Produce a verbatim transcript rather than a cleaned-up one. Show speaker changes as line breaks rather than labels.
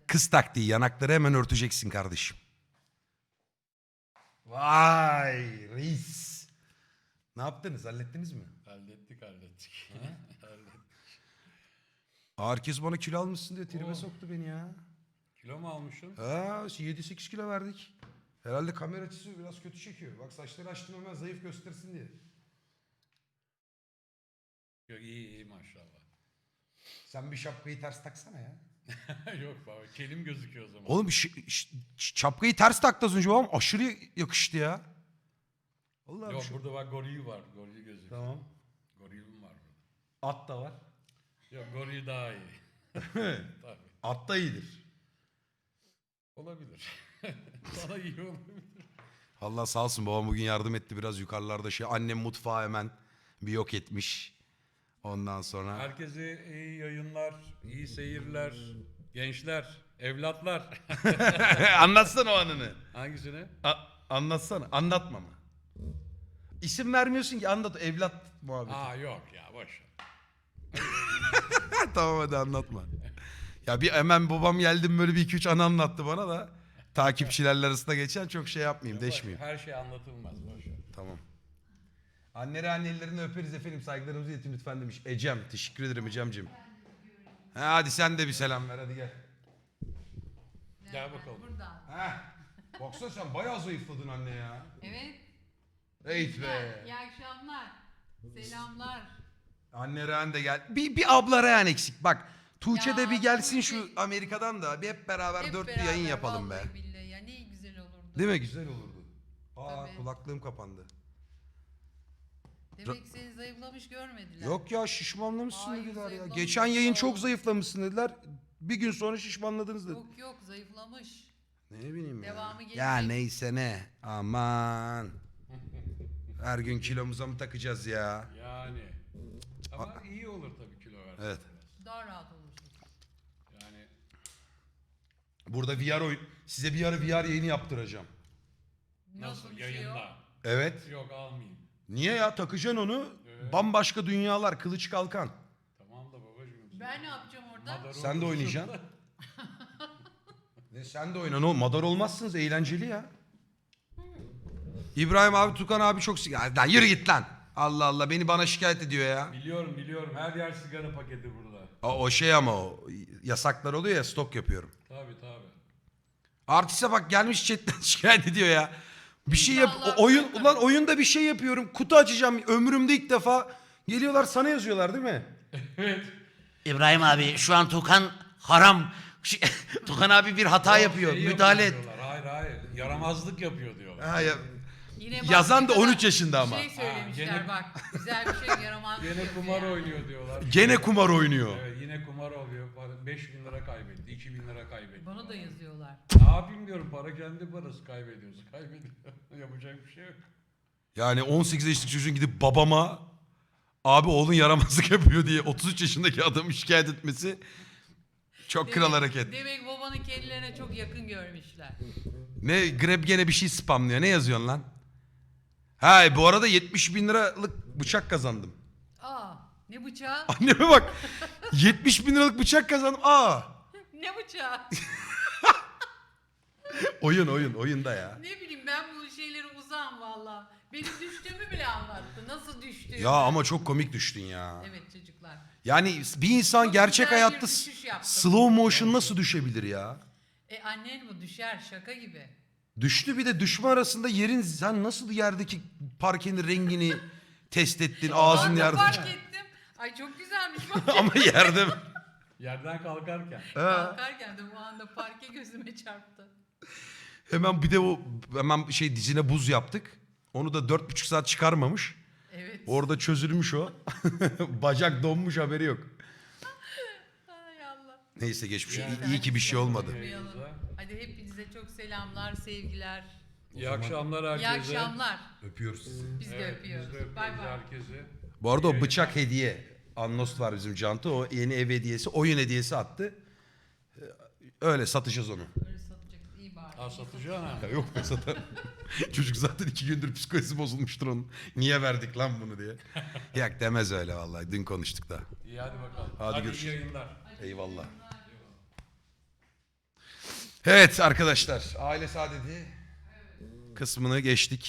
Kız taktiği, yanakları hemen örteceksin kardeşim. Vay reis. Ne yaptınız? Hallettiniz mi?
Hallettik hallettik. Hallettik.
Herkes bana kilo almışsın diye tribe
Oo.
soktu beni ya.
Kilo mu almışsın?
Ha, yedi sekiz kilo verdik. Herhalde kamera açısı biraz kötü çekiyor. Bak saçları açtım hemen zayıf göstersin diye.
Yok iyi iyi maşallah.
Sen bir şapkayı ters taksana ya.
Yok baba kelim gözüküyor o zaman.
Oğlum ş- ş- şapkayı ters taktı az önce babam. Aşırı yakıştı ya. Vallahi
Yok
şu-
burada bak goril var. Goril gözüküyor.
Tamam.
Gorilim var burada.
At da var.
Yok goril daha iyi. Tabii.
At da iyidir.
Olabilir. Sana iyi olabilir.
Allah sağ olsun babam bugün yardım etti biraz yukarılarda şey. Annem mutfağı hemen bir yok etmiş. Ondan sonra.
Herkese iyi yayınlar, iyi seyirler, gençler, evlatlar.
Anlatsana o anını.
Hangisini?
A- anlatsana. Anlatma mı? İsim vermiyorsun ki anlat evlat muhabbeti.
Aa yok ya boş. ver.
Tamam hadi anlatma. Ya bir hemen babam geldim böyle bir iki üç anı anlattı bana da takipçilerle arasında geçen çok şey yapmayayım,
Boş ver.
deşmeyeyim.
Her şey anlatılmaz boş. ver.
Tamam. Anneleri annelerini öperiz efendim saygılarımızı iletin lütfen demiş. Ecem teşekkür ederim Ecem'cim. Ha, hadi sen de bir selam ver hadi gel.
Gel bakalım.
Buradan.
Heh. Baksana sen bayağı zayıfladın anne ya.
Evet.
Eğit be.
İyi akşamlar. Selamlar.
Anne Rehan de gel. Bir, bir abla Rehan eksik bak. Tuğçe
Ya,
de bir gelsin şu
Tuğçe-
Amerika'dan da bir hep beraber
Hep
dört bir
beraber,
yayın yapalım be.
vallahi billahi ya ne güzel olurdu.
Değil mi? Güzel olurdu. Aa
Tabii.
kulaklığım kapandı.
Demek ki seni zayıflamış görmediler.
Yok ya şişmanlamışsın
Ay,
dediler ya.
zayıflamış
Geçen yayın
ya.
çok zayıflamışsın dediler. Bir gün sonra şişmanladınız dedi.
Yok yok zayıflamış.
Ne bileyim ya.
Devamı gelecek.
Ya neyse ne. Aman. Her gün kilomuza mı takacağız ya?
Yani. Ama iyi olur tabii kilo versen.
Evet.
Daha rahat olursun.
Yani
Burada V R oyun. Size bir ara V R yayını yaptıracağım.
nasıl,
bir şey
yayında?
o?
Evet.
Yok almayayım.
Niye ya? Takacaksın onu.
Evet.
Bambaşka dünyalar. Kılıç kalkan.
Tamam da babacığım.
Ben ne yapacağım orada?
Madara
Sen de
olursun.
oynayacaksın. Ne sen de oynan oğlum. Madar olmazsınız. Eğlenceli ya. İbrahim abi, Tukan abi çok sigara. Lan yürü git lan. Allah Allah beni bana şikayet ediyor ya.
Biliyorum biliyorum. Her yer sigara paketi burada.
O, o şey ama o yasaklar oluyor ya stok yapıyorum.
Tabii tabii.
Artiste bak gelmiş chatten şikayet ediyor ya. Bir şey yap
İnşallah
o- oyun
bırakır.
ulan oyunda bir şey yapıyorum. Kutu açacağım ömrümde ilk defa. Geliyorlar sana yazıyorlar değil mi?
Evet.
İbrahim abi şu an Tukan haram. Şey, Tukan abi bir hata yapıyor.
Şey
Müdahale et.
yapıyor diyorlar. Hayır hayır. Yaramazlık yapıyor diyorlar.
Ha, ya,
Yine bak
yazan
ne
da
kadar
on üç yaşında ama.
Şey söylemişler
Ha, gene-
bak. Güzel bir şey yaramaz.
Gene kumar oynuyor diyorlar.
Gene kumar oynuyor.
Evet yine kumar oluyor. beş bin lira kaybetti. iki bin lira kaybetti.
Bana da yazıyorlar.
Ne yapayım diyorum para kendi parası kaybediyorsun. Kaybediyor. Yapacak bir şey yok.
Yani on sekiz yaşındaki çocuğun gidip babama abi oğlun yaramazlık yapıyor diye otuz üç yaşındaki adamı şikayet etmesi çok kral hareket.
Demek babanın kendilerine çok yakın görmüşler.
Ne Grab gene bir şey spamlıyor. Ne yazıyorsun lan? Ha bu arada yetmiş bin liralık bıçak kazandım.
Aa ne bıçağı?
Anneme bak. yetmiş bin liralık bıçak kazandım. Aa.
Ne bıçağı?
Oyun oyun oyunda ya.
Ne bileyim ben bu şeyleri uzağım valla. Benim düştüğümü bile anlattı. Nasıl düştüğümü.
Ya ama çok komik düştün ya.
Evet çocuklar.
Yani bir insan
Çok
gerçek
güzel bir
hayatta
düşüş yaptım.
slow motion nasıl düşebilir ya?
E annen bu düşer şaka gibi.
Düştü bir de düşme arasında yerin sen nasıl yerdeki parkenin rengini test ettin
Ben
ağzın
de
yerde.
fark ettim. Ay çok güzelmiş bak.
Ama yerde mi?
Yerden kalkarken.
Ha.
Kalkarken de bu anda parke gözüme çarptı.
Hemen bir de o hemen şey dizine buz yaptık. Onu da dört buçuk saat çıkarmamış.
Evet.
Orada çözülmüş o. Bacak donmuş haberi yok.
Ay Allah.
Neyse geçmiş.
Yani-
İyi, iyi ki bir şey olmadı.
Unutmayalım. Hadi hepinize çok selamlar, sevgiler.
İyi akşamlar
İyi
herkese.
akşamlar.
Öpüyoruz sizi.
Biz de
Evet,
öpüyoruz.
Biz de öpüyoruz
Bay bay.
herkese.
Bu arada o
İyi
bıçak
yayınlar.
hediye. Annost var bizim Cantı. O yeni ev hediyesi, oyun hediyesi attı. Ee, Öyle satacağız onu.
Böyle satacak iyi bari.
Ha satacaksın ha.
Ya yok be satar. Çocuk zaten iki gündür psikolojisi bozulmuştur onun. Niye verdik lan bunu diye. Yak demez öyle vallahi. Dün konuştuk da.
İyi hadi bakalım.
Hadi
Hadi,
görüşürüz.
iyi yayınlar.
Eyvallah. Evet arkadaşlar, aile saadeti kısmını geçtik.